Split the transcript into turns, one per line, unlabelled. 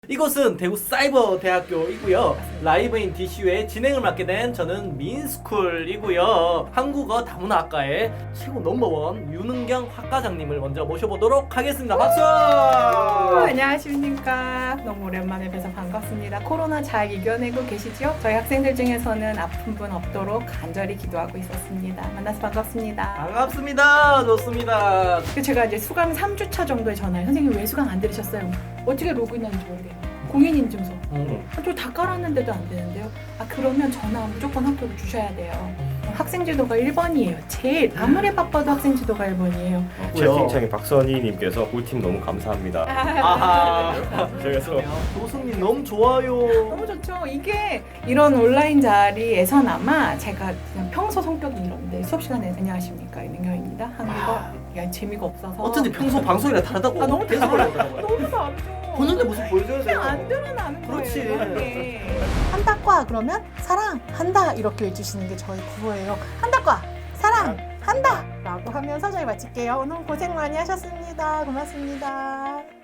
이곳은 대구 사이버대학교이고요. 라이브인 DCU의 진행을 맡게 된 저는 민스쿨이고요. 한국어 다문화학과의 최고 넘버원 윤은경 학과장님을 먼저 모셔보도록 하겠습니다. 박수!
안녕하십니까. 너무 오랜만에 뵈서 반갑습니다. 코로나 잘 이겨내고 계시죠? 저희 학생들 중에서는 아픈 분 없도록 간절히 기도하고 있었습니다. 만나서 반갑습니다.
반갑습니다. 좋습니다.
제가 이제 수강 3주차 정도에 전화해. 선생님 왜 수강 안 들으셨어요? 어떻게 로그인하는지 모르겠네요. 공인인증서. 저 다 깔았는데도 안 되는데요. 그러면 전화 무조건 학교로 주셔야 돼요. 학생 지도가 1번이에요. 제일 아무리 바빠도 학생 지도가 1번이에요.
채팅창에 박선희님께서 꿀팁 너무 감사합니다.
아하.
그래서
교수님 너무 좋아요.
너무 좋죠. 이게 이런 온라인 자리에서나마 제가 그냥 평소 성격이 이런데 수업 시간에 안녕하십니까 윤은경입니다. 한국어 재미가 없어서
어쩐지 평소 방송이랑 다르다고.
너무
계속
다르죠.
그러더라고요.
너무 다르죠.
보는데 모습 보여줘야 돼요.
그냥 안 드러나는
그렇지.
거예요. 이게.
한다과 그러면 사랑한다 이렇게 해주시는 게 저희 구호예요. 한다과 사랑한다 라고 하면서 저희 마칠게요. 오늘 고생 많이 하셨습니다. 고맙습니다.